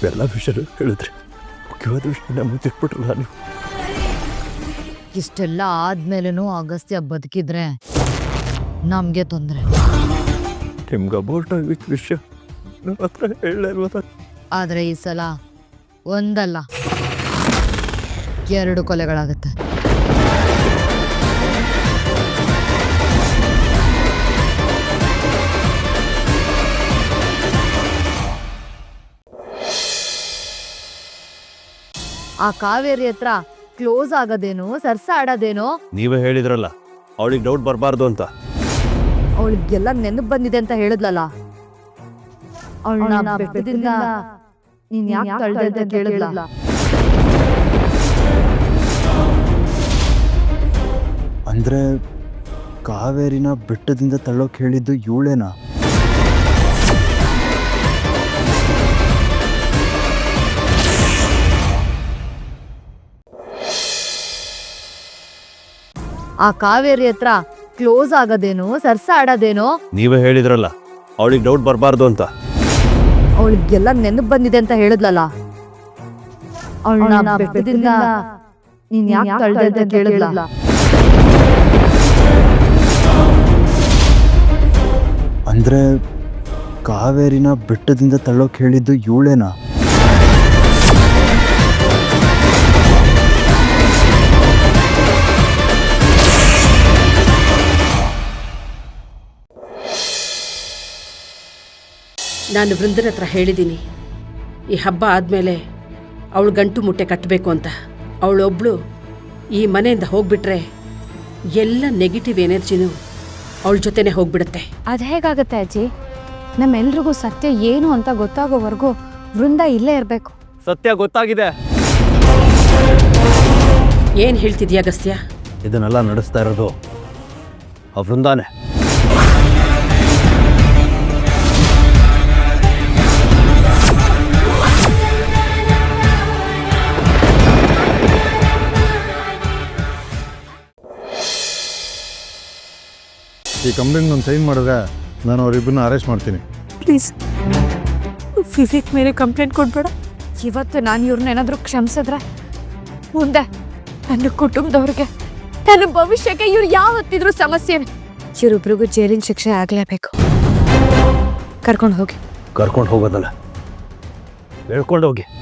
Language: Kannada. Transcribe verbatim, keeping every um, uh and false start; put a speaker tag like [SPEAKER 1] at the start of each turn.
[SPEAKER 1] ಎಲ್ಲ ವಿಷಯ ಹೇಳಿದ್ರಿ, ಮುಖ್ಯವಾದ ವಿಷಯ ಮುಚ್ಚಿಟ್ಬಿಟ್ರಲ್ಲ ನೀವು.
[SPEAKER 2] ಇಷ್ಟೆಲ್ಲ ಆದ್ಮೇಲೂ ಅಗಸ್ತ್ಯ ಬದುಕಿದ್ರೆ ನಮ್ಗೆ ತೊಂದರೆ.
[SPEAKER 1] ನಿಮ್ಗೆ ಅಬೌಟ್ ಆಗಿದ್ದ ವಿಷಯ ನನ್ನ ಹತ್ರ ಹೇಳಲ್ವ?
[SPEAKER 2] ಆದ್ರೆ ಈ ಸಲ ಒಂದಲ್ಲ ಎರಡು ಕೊಲೆಗಳಾಗತ್ತೆ. ಆ ಕಾವೇರಿ ಹತ್ರ ಕ್ಲೋಸ್ ಆಗೋದೇನು, ಸರ್ಸ ಆಡೋದೇನೋ.
[SPEAKER 1] ನೀವೇ ಹೇಳಿದ್ರಲ್ಲ ಅವಳಿಗೆ ಡೌಟ್ ಬರಬಾರ್ದು ಅಂತ.
[SPEAKER 2] ಅವಳಿಗೆಲ್ಲ ನೆನಪು ಬಂದಿದೆ ಅಂತ ಹೇಳಿದ್ಲಲ್ಲ. ಅವಳನ್ನ ಬೆಟ್ಟದಿಂದ ನೀನ್ ಯಾಕೆ ತಳ್ದೆ ಅಂತ ಕೇಳಿದ್ಲ.
[SPEAKER 3] ಅಂದ್ರೆ ಕಾವೇರಿನ ಬೆಟ್ಟದಿಂದ ತಳ್ಳೋಕೆ ಹೇಳಿದ್ದು ಇವಳೇನಾ?
[SPEAKER 2] ಆ ಕಾವೇರಿ ಹತ್ರ ಕ್ಲೋಸ್ ಆಗೋದೇನು, ಸರ್ಸ ಆಡೋದೇನೋ.
[SPEAKER 1] ನೀವೇ ಹೇಳಿದ್ರಲ್ಲ ಅವಳಿಗೆ ಡೌಟ್ ಬರಬಾರ್ದು ಅಂತ.
[SPEAKER 2] ಅವಳಿಗೆಲ್ಲ ನೆನಪು ಬಂದಿದೆ ಅಂತ ಹೇಳಿದ್ಲಲ್ಲ. ಅವಳನ್ನ ಬೆಟ್ಟದಿಂದ ನೀನ್ ಯಾಕೆ ತಳ್ದೆ ಅಂತ ಕೇಳಿದ್ಲ.
[SPEAKER 3] ಅಂದ್ರೆ ಕಾವೇರಿನ ಬೆಟ್ಟದಿಂದ ತಳ್ಳೋಕೆ ಹೇಳಿದ್ದು ಇವಳೇನಾ?
[SPEAKER 4] ನಾನು ವೃಂದನ ಹತ್ರ ಹೇಳಿದ್ದೀನಿ, ಈ ಹಬ್ಬ ಆದಮೇಲೆ ಅವಳು ಗಂಟು ಮುಟ್ಟೆ ಕಟ್ಟಬೇಕು ಅಂತ. ಅವಳೊಬ್ಳು ಈ ಮನೆಯಿಂದ ಹೋಗ್ಬಿಟ್ರೆ ಎಲ್ಲ ನೆಗೆಟಿವ್ ಎನರ್ಜಿನೂ ಅವಳ ಜೊತೆನೆ ಹೋಗ್ಬಿಡುತ್ತೆ.
[SPEAKER 5] ಅದು ಹೇಗಾಗತ್ತೆ ಅಜ್ಜಿ? ನಮ್ಮೆಲ್ರಿಗೂ ಸತ್ಯ ಏನು ಅಂತ ಗೊತ್ತಾಗೋವರೆಗೂ ವೃಂದ ಇಲ್ಲೇ ಇರಬೇಕು.
[SPEAKER 1] ಸತ್ಯ ಗೊತ್ತಾಗಿದೆ.
[SPEAKER 4] ಏನು ಹೇಳ್ತಿದ್ಯಾ ಅಗಸ್ತ್ಯ?
[SPEAKER 1] ಇದನ್ನೆಲ್ಲ ನಡೆಸ್ತಾ ಇರೋದು ಆ ವೃಂದಾನೆ.
[SPEAKER 6] ಈ ಕಂಪ್ಲೇಂಟ್ ನಾನು ಸೈನ್ ಮಾಡಿದ್ರೆ ನಾನು ಅವರಿಬ್ಬರನ್ನ ಅರೆಸ್ಟ್ ಮಾಡ್ತೀನಿ.
[SPEAKER 5] ಪ್ಲೀಸ್ ವಿವೇಕ್ ಮೇಲೆ ಕಂಪ್ಲೇಂಟ್ ಕೊಡ್ಬೇಡ. ಇವತ್ತು ನಾನು ಇವ್ರನ್ನ ಏನಾದರೂ ಕ್ಷಮಿಸಿದ್ರೆ ಮುಂದೆ ನನ್ನ ಕುಟುಂಬದವ್ರಿಗೆ, ನನ್ನ ಭವಿಷ್ಯಕ್ಕೆ ಇವ್ರು ಯಾವತ್ತಿದ್ರೂ ಸಮಸ್ಯೆ. ಇವರಿಬ್ರಿಗೂ ಜೈಲಿನ ಶಿಕ್ಷೆ ಆಗಲೇಬೇಕು. ಕರ್ಕೊಂಡು ಹೋಗಿ.
[SPEAKER 1] ಕರ್ಕೊಂಡು ಹೋಗೋದಲ್ಲ, ಹೇಳ್ಕೊಂಡು ಹೋಗಿ.